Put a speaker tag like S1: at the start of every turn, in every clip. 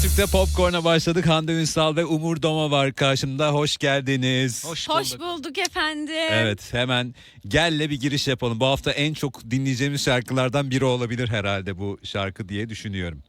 S1: Türk'te Popcorn'a başladık. Hande Ünsal ve Umur Doma var karşımda. Hoş geldiniz.
S2: Hoş bulduk efendim.
S1: Evet, hemen gelle bir giriş yapalım. Bu hafta en çok dinleyeceğimiz şarkılardan biri olabilir herhalde bu şarkı diye düşünüyorum.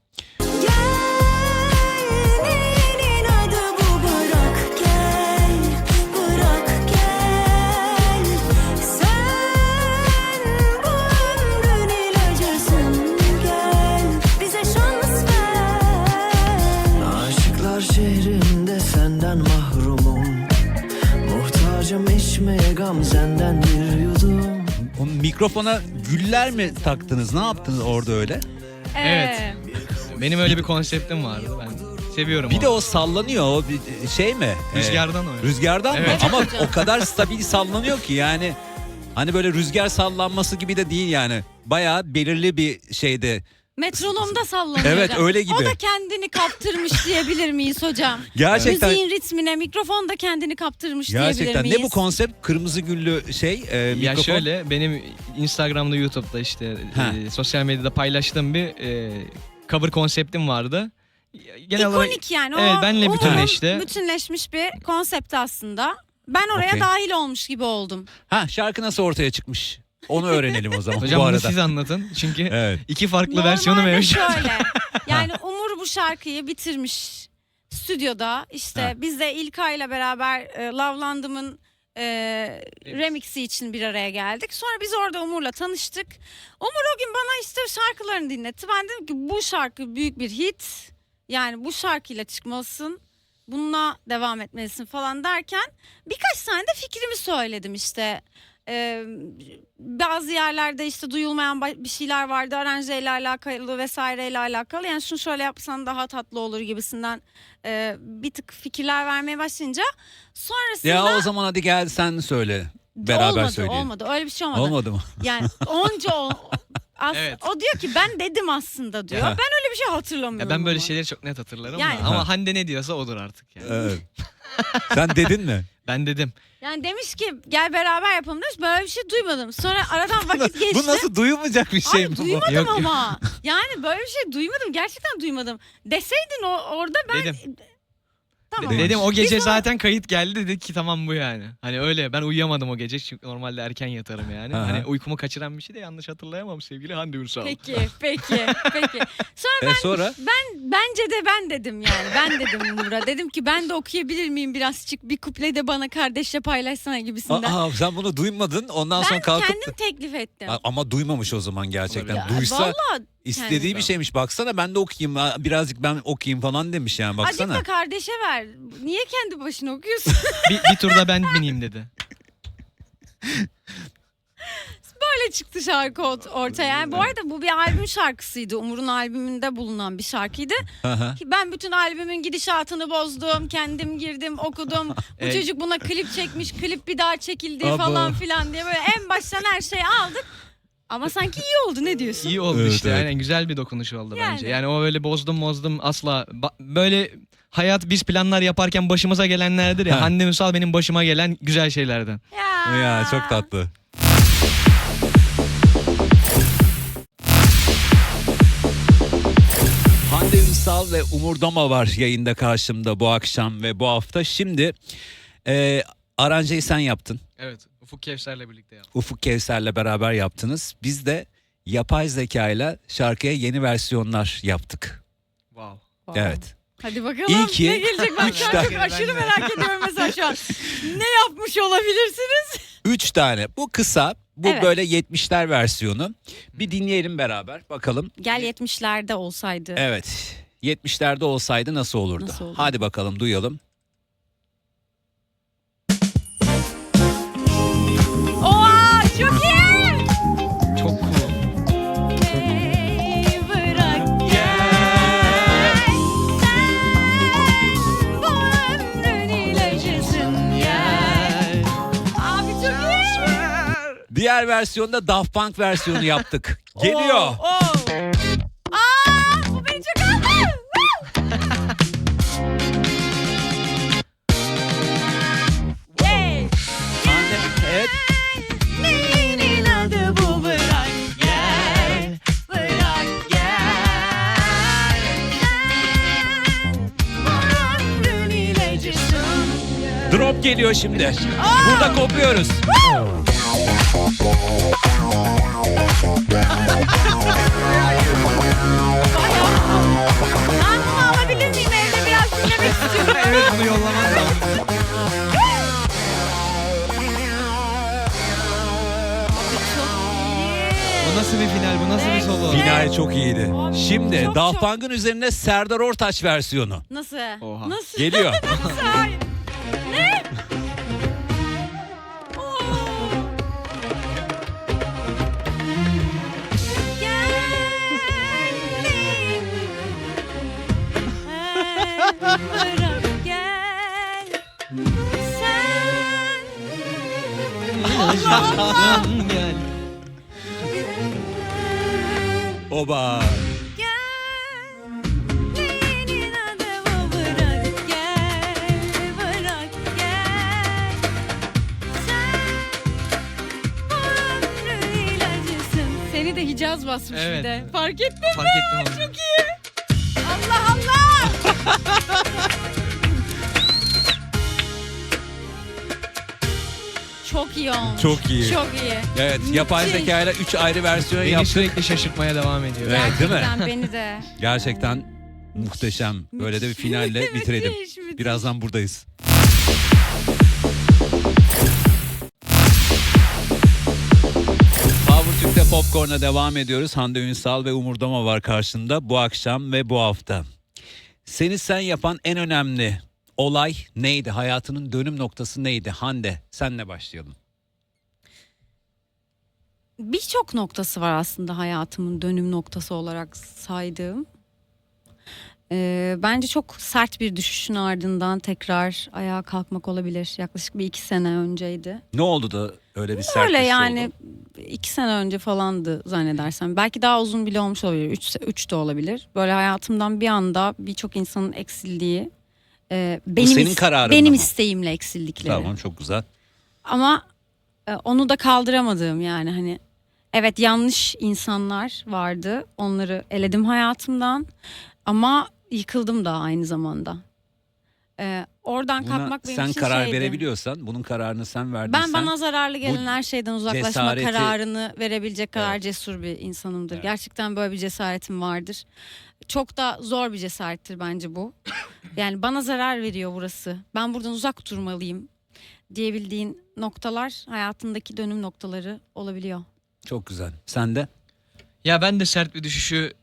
S3: Şehrinde senden mahrumum, muhtacım içmeye gamzenden bir yudum.
S1: O mikrofona güller mi taktınız? Ne yaptınız orada öyle?
S4: Evet. Benim öyle bir konseptim vardı. Ben seviyorum
S1: Bir
S4: onu.
S1: de o sallanıyor. O bir şey mi?
S4: Rüzgardan o.
S1: Rüzgardan mı?
S4: Evet.
S1: Ama o kadar stabil sallanıyor ki yani. Hani böyle rüzgar sallanması gibi de değil yani. Bayağı belirli bir şeyde.
S2: Metronomda sallanıyor
S1: Evet,
S2: hocam.
S1: öyle gibi.
S2: O da kendini kaptırmış diyebilir miyiz hocam?
S1: Gerçekten.
S2: Müziğin ritmine mikrofon da kendini kaptırmış diyebilir
S1: Gerçekten.
S2: miyiz?
S1: Ne bu konsept? Kırmızı güllü şey
S4: Ya
S1: mikrofon.
S4: şöyle benim Instagram'da, YouTube'da işte sosyal medyada paylaştığım bir cover konseptim vardı. Genel olarak
S2: İkonik yani.
S4: evet,
S2: o
S4: benle
S2: Umur'un
S4: bütünleşti.
S2: bütünleşmiş bir konsept aslında. Ben oraya
S1: Okey.
S2: dahil olmuş gibi oldum.
S1: Ha, şarkı nasıl ortaya çıkmış? Onu öğrenelim o zaman
S4: Hocam
S1: bu
S4: bunu
S1: arada.
S4: siz anlatın. Çünkü
S1: Evet.
S4: iki farklı
S2: Normalde
S4: versiyonu mevcut.
S2: şöyle. Yani Umur bu şarkıyı bitirmiş stüdyoda. İşte
S1: Ha.
S2: biz de İlkay ile beraber Lavlandım'ın remixi için bir araya geldik. Sonra biz orada Umur'la tanıştık. Umur o gün bana işte şarkılarını dinletti. Ben dedim ki bu şarkı büyük bir hit. Yani bu şarkıyla çıkmalısın. Bununla devam etmelisin falan derken birkaç tane de fikrimi söyledim işte. Bazı yerlerde işte duyulmayan bir şeyler vardı, aranjeyle alakalı vesaireyle alakalı, yani şunu şöyle yapsan daha tatlı olur gibisinden bir tık fikirler vermeye başlayınca sonrasında
S1: Ya o zaman hadi gel sen söyle. Beraber söyleyelim.
S2: olmadı öyle bir şey olmadı.
S1: Olmadı mı?
S2: Yani onca
S4: Evet.
S2: o diyor ki ben dedim aslında diyor.
S1: Ya.
S2: Ben öyle bir şey hatırlamıyorum.
S4: Ya ben böyle
S2: ama.
S4: şeyleri çok net hatırlarım
S2: Yani.
S4: da. Ama Hande ne diyorsa odur artık yani.
S1: Evet. Sen dedin mi?
S4: Ben dedim.
S2: Yani demiş ki gel beraber yapalım demiş. Böyle bir şey duymadım. Sonra aradan vakit geçti.
S1: Bu nasıl duyulmayacak bir şey
S2: Ay,
S1: mi bu?
S2: duymadım
S4: Yok, yok.
S2: ama. Yani böyle bir şey duymadım. Gerçekten duymadım. Deseydin orada ben...
S4: Dedim.
S2: Tamam.
S4: Dedim o gece
S2: Biz ona-
S4: zaten kayıt geldi, dedik ki tamam bu yani. Hani öyle ben uyuyamadım o gece çünkü normalde erken yatarım yani.
S1: Aha.
S4: Hani uykumu kaçıran bir şey de yanlış hatırlayamam sevgili Hande Ünsal.
S2: Peki. Sonra
S1: Sonra?
S2: bence de ben dedim yani. Ben dedim Umur'a. Dedim ki ben de okuyabilir miyim birazcık? Bir kuple de bana kardeşle paylaşsana gibisinden.
S1: Aa, sen bunu duymadın. Ondan
S2: ben
S1: sonra kalkıp...
S2: kendim teklif ettim.
S1: Ama duymamış o zaman gerçekten.
S4: Olabilir.
S1: Duysa
S2: Vallahi
S1: istediği
S2: kendim.
S1: bir şeymiş. Baksana ben de okuyayım. Birazcık ben okuyayım falan demiş yani. Baksana.
S2: Azıcık da kardeşe ver. Niye kendi başına okuyorsun?
S4: bir turda ben bineyim dedi.
S2: Böyle çıktı şarkı ortaya. Yani bu arada bu bir albüm şarkısıydı. Umur'un albümünde bulunan bir şarkıydı.
S1: Aha.
S2: Ben bütün albümün gidişatını bozdum. Kendim girdim, okudum. Bu
S4: Evet.
S2: çocuk buna klip çekmiş. Klip bir daha çekildi
S1: Abo.
S2: falan filan diye böyle en baştan her şeyi aldık. Ama sanki iyi oldu. Ne diyorsun?
S4: İyi oldu
S1: Evet,
S4: işte.
S1: evet.
S4: Aynen güzel bir dokunuş oldu
S2: Yani.
S4: bence. Yani o öyle bozdum asla. Böyle hayat biz planlar yaparken başımıza gelenlerdir ya.
S1: Ha.
S4: Hande Ünsal benim başıma gelen güzel şeylerden.
S1: Ya çok tatlı. Hande Ünsal ve Umur Doma var yayında karşımda bu akşam ve bu hafta. Şimdi aranjeyi sen yaptın.
S4: Evet. Ufuk Kevser'le birlikte yaptım.
S1: Ufuk Kevser'le beraber yaptınız. Biz de yapay zekayla şarkıya yeni versiyonlar yaptık.
S4: Wow.
S1: Evet.
S2: Hadi bakalım
S1: İyi ki
S2: ne gelecek? Ben şu an
S1: üç
S2: çok
S4: tane-
S2: aşırı merak ediyorum mesela şu an. Ne yapmış olabilirsiniz?
S1: 3 tane. Bu kısa. Bu
S2: Evet.
S1: böyle 70'ler versiyonu. Bir dinleyelim beraber bakalım.
S2: Gel 70'lerde olsaydı.
S1: Evet. 70'lerde olsaydı nasıl olurdu?
S2: Nasıl olurdu?
S1: Hadi bakalım duyalım.
S2: Oha çok iyi.
S4: Çok cool.
S2: Bırak gel. Sen bu ömrün ilacısın gel. Abi çok iyi.
S1: Diğer versiyonda Daft Punk versiyonu yaptık. Geliyor.
S2: Oo. Aa, bu beni çok aldı. Yay.
S1: Hande, evet.
S2: Neyin adı bu, bırak gel. Bırak gel.
S1: geliyor şimdi. Burada kopuyoruz.
S2: Ben bunu alabilir miyim? Evde biraz dinlemek istiyorum.
S4: Evet, bunu yollaman lazım. Bu nasıl bir final? Bu nasıl bir solo?
S1: Final çok iyiydi.
S2: Abi,
S1: Şimdi
S2: çok,
S1: Daft
S2: çok.
S1: Punk'ın üzerine Serdar Ortaç versiyonu.
S2: Nasıl?
S4: Oha.
S2: Nasıl?
S1: Geliyor.
S2: Nasıl? Hayır. Ne? Oo. Bırak gel. Sen. Allah Allah.
S4: Yani.
S1: Oba.
S2: Gel. Senin adımı bırak gel. Bırak gel. Sen bu ömrün ilacısın. Seni de Hicaz basmış
S4: Evet.
S2: bir de. Fark ettin mi?
S4: Fark ettim onu.
S2: Çok iyi. Allah Allah. Çok iyi olmuş.
S1: Çok iyi.
S2: Çok iyi.
S1: Evet, yapay
S2: Müthiş.
S1: zekayla 3 ayrı versiyon
S4: Beni
S1: yaptık.
S4: sürekli şaşırtmaya devam ediyor.
S1: Evet, değil mi?
S2: Gerçekten beni de.
S1: Gerçekten muhteşem. Böyle de bir finalle bitirelim.
S2: Müthiş, müthiş.
S1: Birazdan buradayız. Power Türk'te Popcorn'a devam ediyoruz. Hande Ünsal ve Umur Doma var karşında bu akşam ve bu hafta. Seni sen yapan en önemli olay neydi? Hayatının dönüm noktası neydi? Hande, senle başlayalım.
S2: Birçok noktası var aslında hayatımın dönüm noktası olarak saydığım. Bence çok sert bir düşüşün ardından tekrar ayağa kalkmak olabilir. Yaklaşık bir 2 sene önceydi.
S1: Ne oldu da öyle bir sert
S2: Öyle
S1: düşüş
S2: yani
S1: oldu?
S2: 2 sene önce falandı zannedersem. Belki daha uzun bile olmuş olabilir. 3 de olabilir. Böyle hayatımdan bir anda birçok insanın eksildiği. Benim
S1: senin kararın
S2: benim
S1: mı?
S2: isteğimle eksildikleri.
S1: Tamam, çok güzel.
S2: Ama onu da kaldıramadığım yani hani evet yanlış insanlar vardı. Onları eledim hayatımdan ama yıkıldım da aynı zamanda. Oradan
S1: Buna
S2: kalkmak benim
S1: sen
S2: için
S1: karar
S2: şeydi.
S1: verebiliyorsan, bunun kararını sen verdiysen.
S2: Ben bana zararlı gelen her şeyden uzaklaşma
S1: cesareti-
S2: kararını verebilecek kadar
S1: Evet.
S2: cesur bir insanımdır.
S1: Evet.
S2: Gerçekten böyle bir cesaretim vardır. Çok da zor bir cesarettir bence bu. Yani bana zarar veriyor burası. Ben buradan uzak durmalıyım diyebildiğin noktalar hayatındaki dönüm noktaları olabiliyor.
S1: Çok güzel. Sen de?
S4: Ya ben de sert bir düşüşü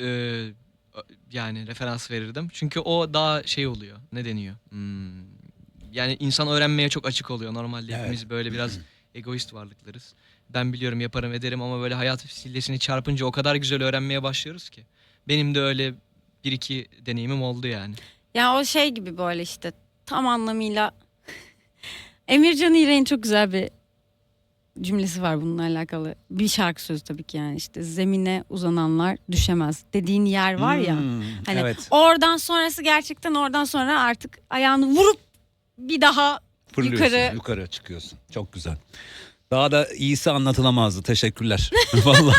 S4: yani referans verirdim. Çünkü o daha şey oluyor. Ne deniyor? Yani insan öğrenmeye çok açık oluyor. Normalde
S1: Evet.
S4: hepimiz böyle biraz egoist varlıklarız. Ben biliyorum, yaparım, ederim ama böyle hayat sillesini çarpınca o kadar güzel öğrenmeye başlıyoruz ki. Benim de öyle bir iki deneyimim oldu yani.
S2: Ya o şey gibi böyle işte tam anlamıyla Emircan İğrek'in çok güzel bir cümlesi var bununla alakalı. Bir şarkı sözü tabii ki yani işte zemine uzananlar düşemez dediğin yer var ya. Hani
S1: evet.
S2: oradan sonrası gerçekten oradan sonra artık ayağını vurup bir daha
S1: Fırlıyorsun, yukarı çıkıyorsun. Çok güzel. Daha da iyisi anlatılamazdı. Teşekkürler. Vallahi.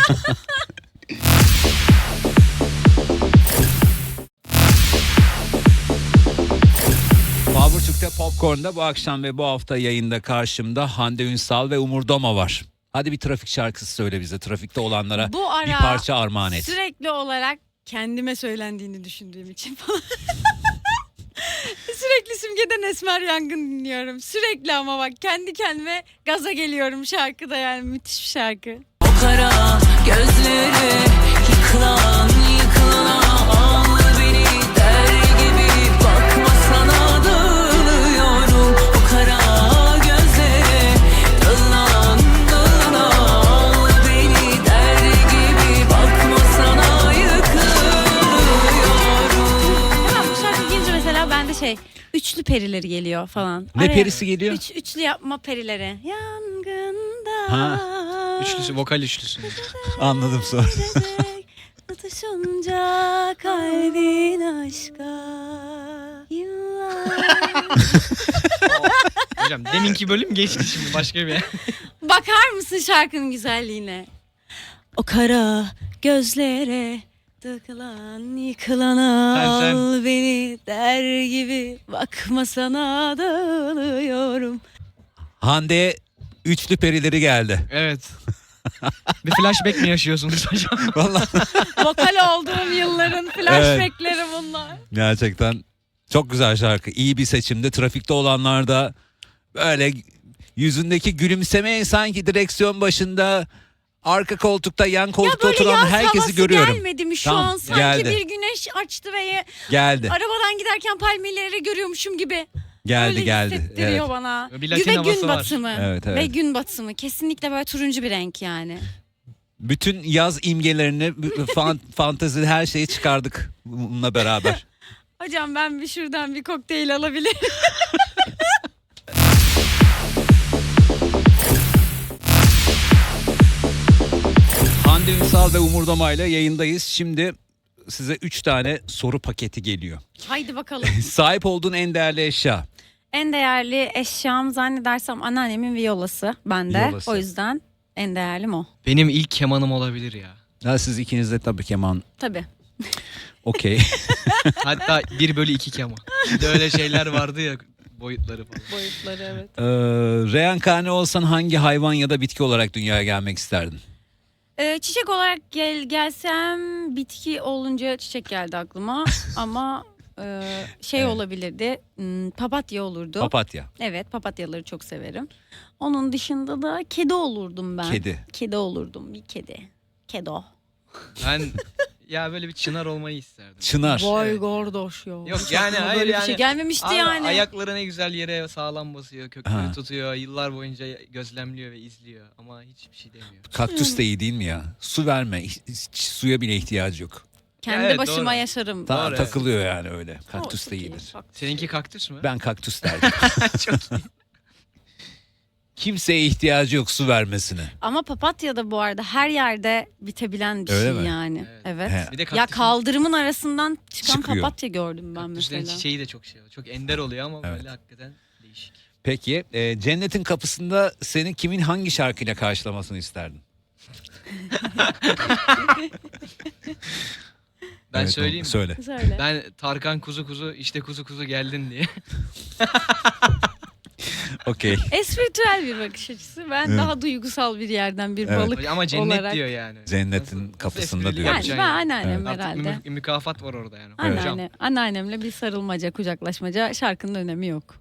S1: Power Türk'te Popcorn'da bu akşam ve bu hafta yayında karşımda Hande Ünsal ve Umur Doma var. Hadi bir trafik şarkısı söyle bize. Trafikte olanlara
S2: bu ara
S1: bir parça armağan et.
S2: sürekli olarak kendime söylendiğini düşündüğüm için falan. Sürekli Simge'den Esmer Yangın dinliyorum. Sürekli ama bak kendi kendime gaza geliyorum şarkıda yani müthiş bir şarkı.
S5: O kara gözleri yıkılan yıkılana al beni der gibi bakma sana dağılıyorum. O kara gözleri dalan dalana al beni der gibi bakma sana yıkılıyorum.
S2: Hemen bu şarkı gelince mesela bende üçlü perileri geliyor falan.
S1: Ne
S2: Araya
S1: perisi geliyor?
S2: üçlü yapma perileri. Yangında.
S1: Ha.
S4: Üçlüsü, vokal üçlüsü.
S1: Anladım sonra.
S2: Tutuşunca kalbin aşka yıllar.
S4: Hocam deminki bölüm geçti, şimdi başka bir.
S2: Bakar mısın şarkının güzelliğine? O kara gözlere Tıkılan yıkılana
S4: Sen.
S2: al beni der gibi bakma sana dağılıyorum.
S1: Hande üçlü perileri geldi.
S4: Evet. Bir flashback mi yaşıyorsunuz hocam?
S1: Vallahi
S2: Vokal olduğum yılların flashbackleri bunlar.
S1: gerçekten çok güzel şarkı. İyi bir seçimde. Trafikte olanlar da böyle yüzündeki gülümseme, sanki direksiyon başında, arka koltukta, yan koltukta
S2: Böyle
S1: oturan
S2: yaz
S1: herkesi
S2: havası
S1: görüyorum.
S2: gelmedi mi şu
S1: Tamam,
S2: an? Sanki
S1: geldi.
S2: bir güneş açtı ve
S1: Geldi.
S2: arabadan giderken palmiyeleri görüyormuşum gibi.
S1: Geldi
S2: Öyle
S1: geldi.
S2: hissettiriyor
S1: Evet.
S2: bana.
S4: Bir Latin
S2: Ve
S4: havası
S2: gün
S4: var.
S2: batımı.
S1: Evet, evet.
S2: Ve gün batımı. Kesinlikle böyle turuncu bir renk yani.
S1: Bütün yaz imgelerini, fantezi, her şeyi çıkardık bununla beraber.
S2: Hocam ben bir şuradan bir kokteyl alabilirim.
S1: Hande Ünsal ve Umur Doma ile yayındayız. Şimdi size 3 tane soru paketi geliyor.
S2: Haydi bakalım.
S1: Sahip olduğun en değerli eşya.
S2: En değerli eşyam zannedersem anneannemin viyolası bende.
S1: Viyolası.
S2: O yüzden en değerlim o.
S4: Benim ilk kemanım olabilir ya.
S1: Ha, siz ikiniz de tabii keman.
S2: Tabii.
S1: Okey.
S4: Hatta 1/2 keman. Bir de öyle şeyler vardı ya, boyutları falan.
S2: Boyutları evet.
S1: Reenkarne olsan hangi hayvan ya da bitki olarak dünyaya gelmek isterdin?
S2: Çiçek olarak gelsem bitki olunca çiçek geldi aklıma. Ama
S1: Evet.
S2: olabilirdi. Papatya olurdu.
S1: Papatya.
S2: Evet, papatyaları çok severim. Onun dışında da kedi olurdum ben.
S1: Kedi.
S2: Kedi olurdum, bir kedi. Kedo.
S4: Ben ya böyle bir çınar olmayı isterdim.
S1: Çınar.
S2: Vay
S4: Evet.
S2: gordoş ya.
S4: Yok
S2: Hiç
S4: yani,
S2: aklıma
S4: hayır
S2: böyle bir
S4: yani.
S2: şey gelmemişti
S4: Abi,
S2: yani.
S4: ayakları ne güzel yere sağlam basıyor, kökleri
S1: Ha.
S4: tutuyor, yıllar boyunca gözlemliyor ve izliyor ama hiçbir şey demiyor.
S1: Kaktüs de iyi değil mi ya? Su verme. Hiç suya bile ihtiyacı yok.
S2: Kendi
S4: Evet,
S2: başıma
S4: doğru.
S2: yaşarım.
S1: Ta-
S4: Doğru,
S1: takılıyor yani öyle.
S2: O
S1: Kaktüs de
S2: çok iyi.
S1: iyidir.
S2: Bak,
S4: Seninki kaktüs mü?
S1: Ben kaktüs derdim.
S4: Çok iyi.
S1: Kimseye ihtiyacı yok su vermesine.
S2: Ama papatya da bu arada her yerde bitebilen bir
S1: Öyle
S2: şey
S1: mi?
S2: yani.
S4: Evet.
S2: Evet.
S1: He.
S4: Bir de
S2: Ya
S4: kaktüsün,
S2: kaldırımın arasından çıkan
S1: Çıkıyor.
S2: papatya gördüm ben
S4: kaktüslerin
S2: mesela.
S4: çiçeği de çok çok ender oluyor ama
S1: Evet.
S4: böyle hakikaten değişik.
S1: Peki cennetin kapısında seni kimin hangi şarkıyla karşılamasını isterdin?
S4: Ben
S1: Evet,
S4: söyleyeyim mi?
S1: Söyle.
S2: Söyle.
S4: Ben Tarkan kuzu kuzu işte kuzu kuzu geldin diye.
S1: Okey.
S2: Espritüel bir bakış açısı. Ben
S1: Evet.
S2: daha duygusal bir yerden bir
S1: Evet.
S2: balık
S4: Ama cennet
S2: olarak.
S4: diyor yani.
S1: Cennetin kapısında
S4: esprili
S1: diyor.
S2: Yani
S4: yapacaksın
S2: ben
S4: yani?
S2: anneannem
S1: Evet.
S4: Artık
S2: herhalde.
S4: mükafat var orada yani.
S1: Evet.
S4: Hocam.
S2: Anneannemle bir sarılmaca, kucaklaşmaca, şarkının önemi yok.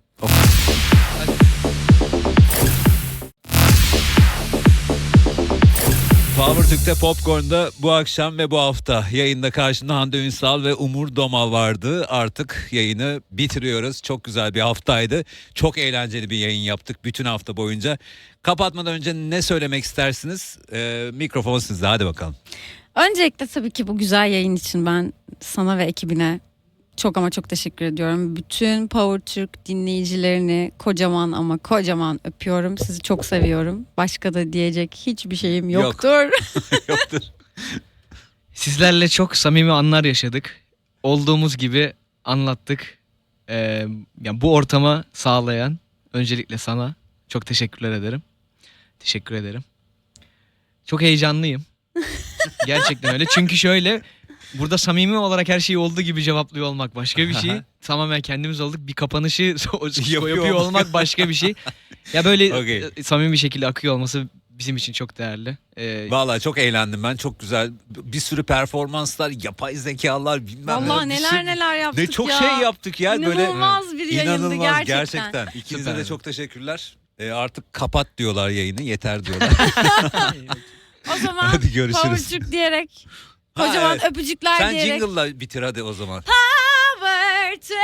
S1: Power Türk'te Popcorn'da bu akşam ve bu hafta yayında karşında Hande Ünsal ve Umur Doma vardı. Artık yayını bitiriyoruz. Çok güzel bir haftaydı. Çok eğlenceli bir yayın yaptık bütün hafta boyunca. Kapatmadan önce ne söylemek istersiniz? Mikrofon sizde, hadi bakalım.
S2: Öncelikle tabii ki bu güzel yayın için ben sana ve ekibine çok ama çok teşekkür ediyorum. Bütün Power Türk dinleyicilerini kocaman ama kocaman öpüyorum. Sizi çok seviyorum. Başka da diyecek hiçbir şeyim
S1: Yok.
S2: yoktur.
S1: Yoktur.
S4: Sizlerle çok samimi anlar yaşadık. Olduğumuz gibi anlattık. Yani bu ortama sağlayan öncelikle sana çok teşekkürler ederim. Teşekkür ederim. Çok heyecanlıyım. Gerçekten öyle. Çünkü şöyle, burada samimi olarak her şeyi olduğu gibi cevaplıyor olmak başka bir şey. Tamamen kendimiz olduk. Bir kapanışı yapıyor olmak başka bir şey. Ya böyle
S1: Okey.
S4: samimi bir şekilde akıyor olması bizim için çok değerli.
S1: Vallahi çok eğlendim ben. Çok güzel. Bir sürü performanslar, yapay zekalar, bilmem
S2: Vallahi
S1: bir
S2: neler
S1: sürü-
S2: neler yaptık
S1: Ne çok
S2: ya.
S1: şey yaptık ya. Böyle
S2: İnanılmaz bir yayındı
S1: İnanılmaz
S2: gerçekten.
S1: İkinize de
S4: Süperdi.
S1: çok teşekkürler. Artık kapat diyorlar yayını. Yeter diyorlar.
S2: O zaman
S1: Hadi görüşürüz.
S2: Power Türk diyerek
S1: Ha,
S2: kocaman
S1: evet.
S2: öpücükler
S1: Sen
S2: diyerek.
S1: jingle'la bitir hadi o zaman.
S2: Power Türk.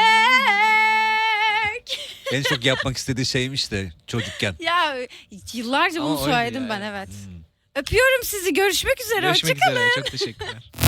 S1: En çok yapmak istediği şeymiş de çocukken.
S2: Ya yıllarca
S4: Ama
S2: bunu
S4: oydu
S2: söyledim
S4: ya,
S2: ben
S4: evet.
S2: evet. Öpüyorum sizi. Görüşmek üzere.
S4: Görüşmek
S2: Hoşçakalın.
S4: üzere. Çok teşekkürler.